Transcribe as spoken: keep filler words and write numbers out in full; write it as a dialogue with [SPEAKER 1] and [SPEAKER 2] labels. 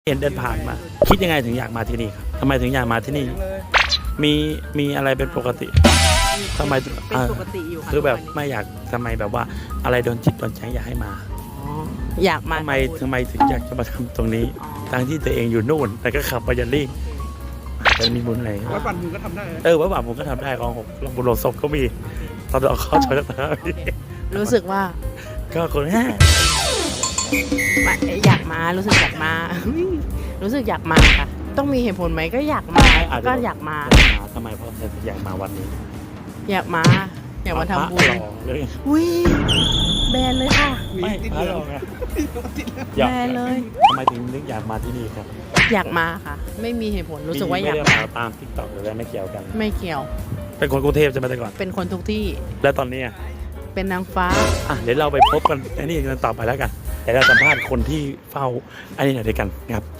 [SPEAKER 1] เห็นเดินผ่านมาคิดยังไงถึงอยากมาที่นี่ครับทำไมถึงอยากมาที่นี่มีมีอะไรเป็นปกติทำไม
[SPEAKER 2] เป็นปกติอยู่ค่ะ
[SPEAKER 1] คือแบบไม่อยากทำไมแบบว่าอะไรโดนจิตโดนใจอยากให้มา
[SPEAKER 2] อยากมา
[SPEAKER 1] ทำไมทำไมถึงอยากจะมาทำตรงนี้ทั้งที่ตัวเองอยู่นู่นแต่ก็ขับไปยันลี่อาจจะมีบุญอะไร
[SPEAKER 3] วัดบันมึงก็ทำได้
[SPEAKER 1] เออวัดบันผมก็ทำได้ของผมลงบุญลงศพก็มีตอนเราเข้าชอยสักที
[SPEAKER 2] รู้สึกว่า
[SPEAKER 1] ก็คนแค่
[SPEAKER 2] อยากมารู้สึกอยากมารู้สึกอยากมาค่ะต้องมีเหตุผลไหมก็อยากมาก็อยากมา
[SPEAKER 1] ทำไมเพราะอยากมาวันนี้
[SPEAKER 2] อยากมาอยากมาทำบุญอุ้ยแบนเลยค่ะ
[SPEAKER 1] ไม่พระรองไง
[SPEAKER 2] แบนเลย
[SPEAKER 1] ทำไมถึงนึกอยากมาที่นี่ครับ
[SPEAKER 2] อยากมาค่ะไม่มีเหตุผลรู้สึกว่าอยาก
[SPEAKER 1] มาตามทิกตอกหรืออะไรไม่เกี่ยวกัน
[SPEAKER 2] ไม่เกี่ยว
[SPEAKER 1] เป็นคนกรุงเทพใช่ไหมแต่ก่อน
[SPEAKER 2] เป็นคนทุกที่
[SPEAKER 1] แล้วตอนนี้
[SPEAKER 2] เป็นนางฟ้า
[SPEAKER 1] อ่ะเดี๋ยวเราไปพบกันอันนี้กันต่อไปแล้วกันแต่เราสัมภาษณ์คนที่เฝ้าอันนี้หน่อยด้วยกันครับ